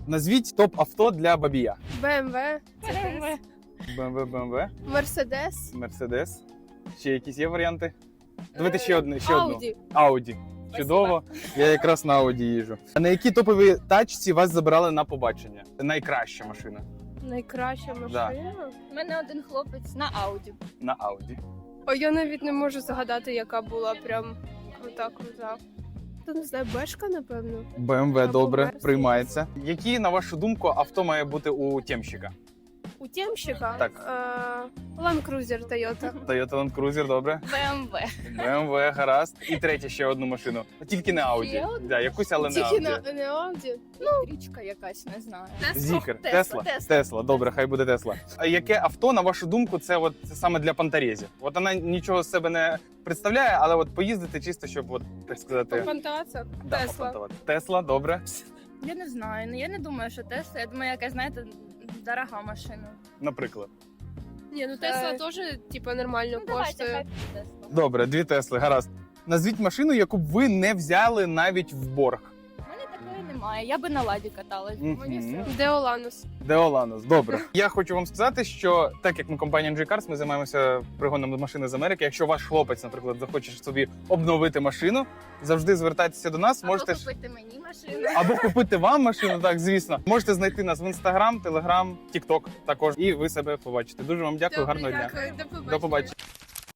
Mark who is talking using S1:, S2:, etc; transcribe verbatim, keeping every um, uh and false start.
S1: Назвіть топ-авто для Бабія.
S2: БМВ,
S1: БМВ, БМВ,
S2: Мерседес,
S1: Мерседес. Ще якісь є варіанти? Давайте ще одне, ще одну.
S2: Ауді.
S1: Ауді. Чудово. Я якраз на Ауді їжджу. А на якій топовій тачці вас забирали на побачення? Найкраща машина.
S2: Найкраща машина.
S3: У мене один хлопець на Ауді.
S1: На Ауді.
S2: О, я навіть не можу згадати, яка була прям крута-крута. Та не знаю, Бешка, напевно.
S1: БМВ
S2: Або
S1: добре,
S2: Мерседес.
S1: приймається. Які, на вашу думку, авто має бути у темщика?
S2: У темщика?
S1: Так.
S2: Е, Land Cruiser Toyota.
S1: Toyota Land Cruiser, добре.
S3: БМВ.
S1: БМВ, гаразд. І третє ще одну машину. Тільки не Ауді.
S3: Ще одну?
S1: Да, якусь, але не
S2: Тільки
S1: Ауді.
S2: на, не Audi.
S3: Річка якась, не знаю.
S1: Зікер,
S3: Тесла,
S1: Тесла,
S3: Тесла.
S1: Тесла, добре, хай буде Тесла. А яке авто, на вашу думку, це от саме для пантарезів? От вона нічого з себе не представляє, але от поїздити чисто, щоб от так сказати.
S2: Попантаться.
S1: да,
S2: Тесла.
S1: попонтувати. Тесла, добре.
S3: Я не знаю. Ну я не думаю, що Тесла. Я думаю, якась, знаєте, дорога машина.
S1: Наприклад.
S2: Ні, ну Тесла
S3: Е,
S2: теж, типа, нормально
S3: Ну давайте,
S2: коштує.
S3: хай буде Тесла.
S1: Добре, дві Тесли, гаразд. Назвіть машину, яку б ви не взяли навіть в борг.
S3: У мене такої немає. Я би на ладі каталась.
S1: Мгм.
S3: Мені все.
S2: Деоланус.
S1: Деоланус, добре. Я хочу вам сказати, що так як ми компанія Джей Cars, ми займаємося пригоном машини з Америки. Якщо ваш хлопець, наприклад, захоче собі обновити машину, завжди звертайтеся до нас. Можете
S3: Або
S1: ж
S3: купити мені машину.
S1: або купити вам машину, так звісно. Можете знайти нас в інстаграм, телеграм, тікток також, і ви себе побачите. Дуже вам дякую, гарного дня.
S2: Дякую, до побачення.
S1: До побачення.